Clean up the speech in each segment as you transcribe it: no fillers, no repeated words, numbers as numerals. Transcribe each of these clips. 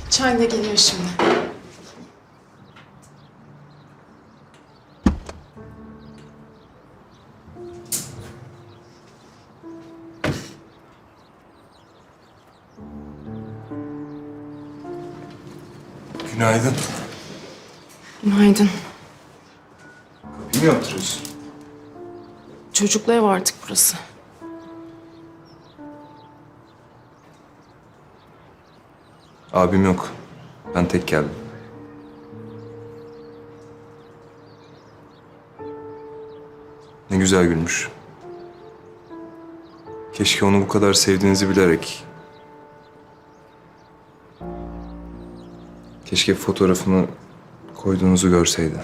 Çay da geliyor şimdi. Günaydın. Günaydın. Kapıyı mı yaptırıyorsun? Çocuklu ev artık burası. Abim yok. Ben tek geldim. Ne güzel gülmüş. Keşke onu bu kadar sevdiğinizi bilerek... Keşke fotoğrafını koyduğunuzu görseydi.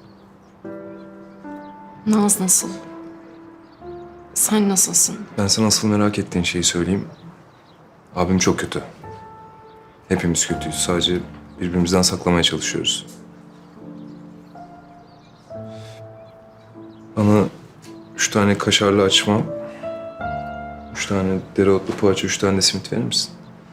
Naz nasıl? Sen nasılsın? Ben sana asıl merak ettiğin şeyi söyleyeyim. Abim çok kötü. Hepimiz kötüyüz. Sadece birbirimizden saklamaya çalışıyoruz. Bana 3 tane kaşarlı açma, 3 tane dereotlu poğaça, 3 tane de simit verir misin?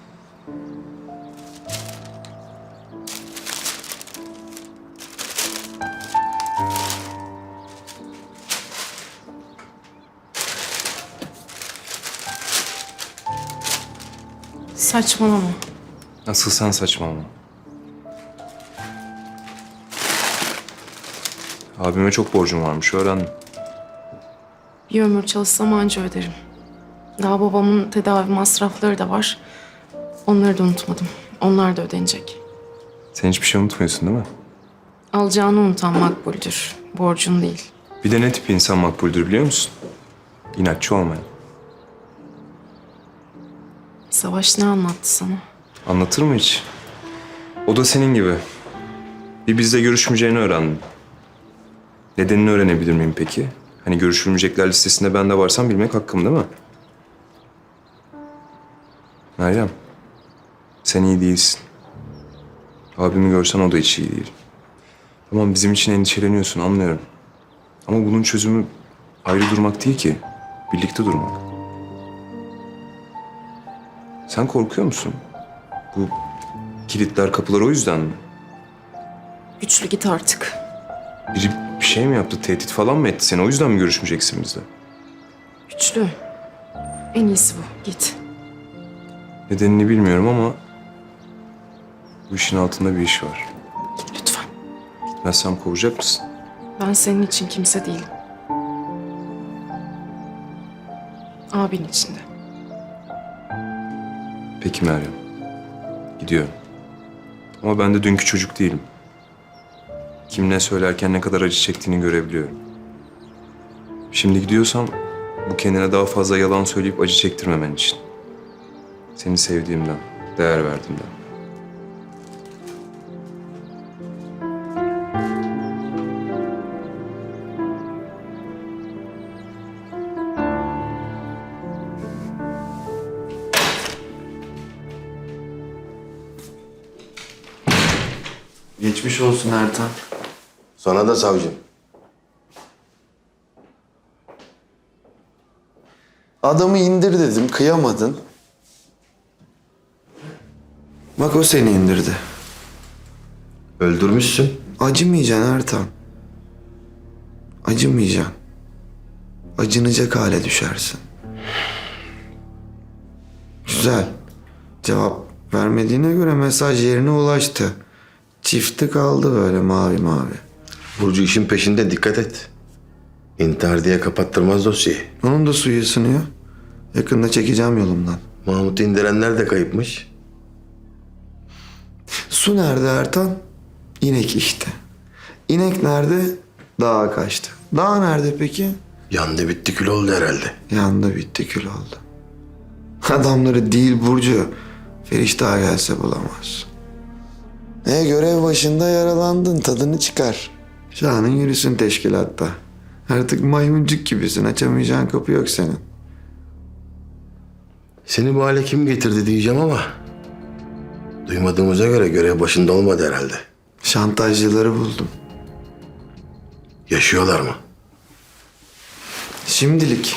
Saçmalama. Asıl sen saçmalama. Abime çok borcum varmış, öğrendim. Bir ömür çalışsam anca öderim. Daha babamın tedavi masrafları da var. Onları da unutmadım. Onlar da ödenecek. Sen hiçbir şey unutmuyorsun değil mi? Alacağını unutan makbuldür. Borcun değil. Bir de ne tip insan makbuldür biliyor musun? İnatçı olmayan. Savaş ne anlattı sana? Anlatır mı hiç? O da senin gibi. Bir bizle görüşmeyeceğini öğrendim. Nedenini öğrenebilir miyim peki? Hani görüşülmeyecekler listesinde ben de varsam bilmek hakkım değil mi? Meryem, sen iyi değilsin. Abimi görsen o da hiç iyi değil. Tamam bizim için endişeleniyorsun anlıyorum. Ama bunun çözümü ayrı durmak değil ki. Birlikte durmak. Sen korkuyor musun? Bu kilitler kapılar o yüzden mi? Güçlü git artık. Biri bir şey mi yaptı? Tehdit falan mı etti seni? O yüzden mi görüşmeyeceksin bizle? Güçlü. En iyisi bu. Git. Nedenini bilmiyorum ama bu işin altında bir iş var. Git lütfen. Gitmezsem kovacak mısın? Ben senin için kimse değilim. Abin için de. Peki Meryem. Gidiyorum. Ama ben de dünkü çocuk değilim. Kim ne söylerken ne kadar acı çektiğini görebiliyorum. Şimdi gidiyorsam bu kendine daha fazla yalan söyleyip acı çektirmemen için. Seni sevdiğimden, değer verdiğimden. Geçmiş olsun Ertan. Sana da savcım. Adamı indir dedim, kıyamadın. Bak o seni indirdi. Öldürmüşsün. Acımayacaksın Ertan. Acımayacaksın. Acınacak hale düşersin. Güzel. Cevap vermediğine göre mesaj yerine ulaştı. Çifti kaldı böyle mavi mavi. Burcu işin peşinde, dikkat et. İntihar diye kapattırmaz dosyayı. Onun da suyu ısınıyor. Yakında çekeceğim yolumdan. Mahmut'u indirenler de kayıpmış. Su nerede Ertan? İnek işte. İnek nerede? Dağa kaçtı. Dağ nerede peki? Yandı bitti kül oldu herhalde. Yandı bitti kül oldu. Adamları değil Burcu. Feriştah gelse bulamaz. Görev başında yaralandın, tadını çıkar. Şanın yürüsün teşkilatta. Artık maymuncuk gibisin, açamayacağın kapı yok senin. Seni bu hale kim getirdi diyeceğim ama... duymadığımıza göre görev başında olmadı herhalde. Şantajcıları buldum. Yaşıyorlar mı? Şimdilik.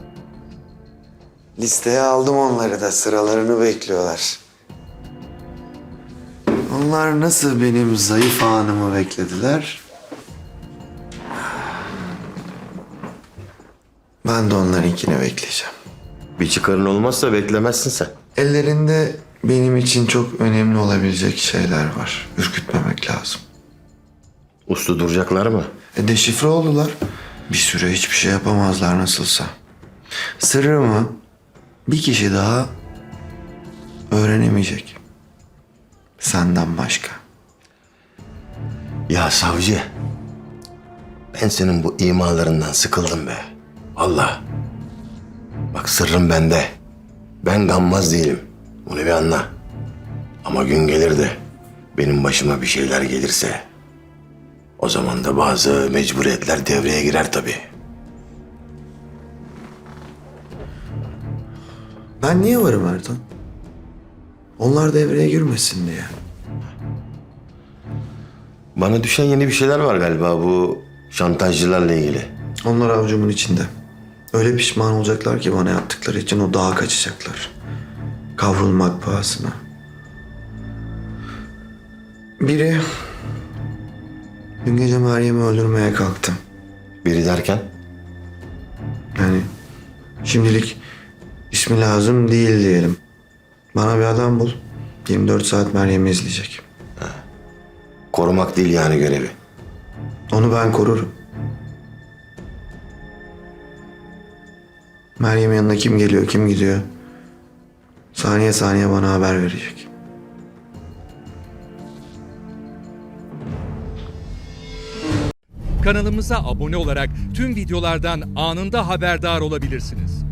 Listeye aldım onları da, sıralarını bekliyorlar. Onlar nasıl benim zayıf anımı beklediler? Ben de onlarınkini bekleyeceğim. Bir çıkarın olmazsa beklemezsin sen. Ellerinde benim için çok önemli olabilecek şeyler var. Ürkütmemek lazım. Uslu duracaklar mı? Deşifre oldular. Bir süre hiçbir şey yapamazlar nasılsa. Sırrımı bir kişi daha öğrenemeyecek. Senden başka. Ya savcı, ben senin bu imalarından sıkıldım be. Vallahi. Bak sırrım bende. Ben gammaz değilim. Bunu bir anla. Ama gün gelir de benim başıma bir şeyler gelirse o zaman da bazı mecburiyetler devreye girer tabii. Ben niye varım Ertan? Onlar devreye girmesin diye. Bana düşen yeni bir şeyler var galiba bu şantajcılarla ilgili. Onlar avucumun içinde. Öyle pişman olacaklar ki bana yaptıkları için o dağa kaçacaklar. Kavrulmak pahasına. Biri dün gece Meryem'i öldürmeye kalktı. Biri derken Yani şimdilik ismi lazım değil diyelim. Bana bir adam bul. 24 saat Meryem'i izleyecek. korumak değil yani görevi. Onu ben korurum. Meryem'in yanına kim geliyor, kim gidiyor? Saniye saniye bana haber verecek. Kanalımıza abone olarak tüm videolardan anında haberdar olabilirsiniz.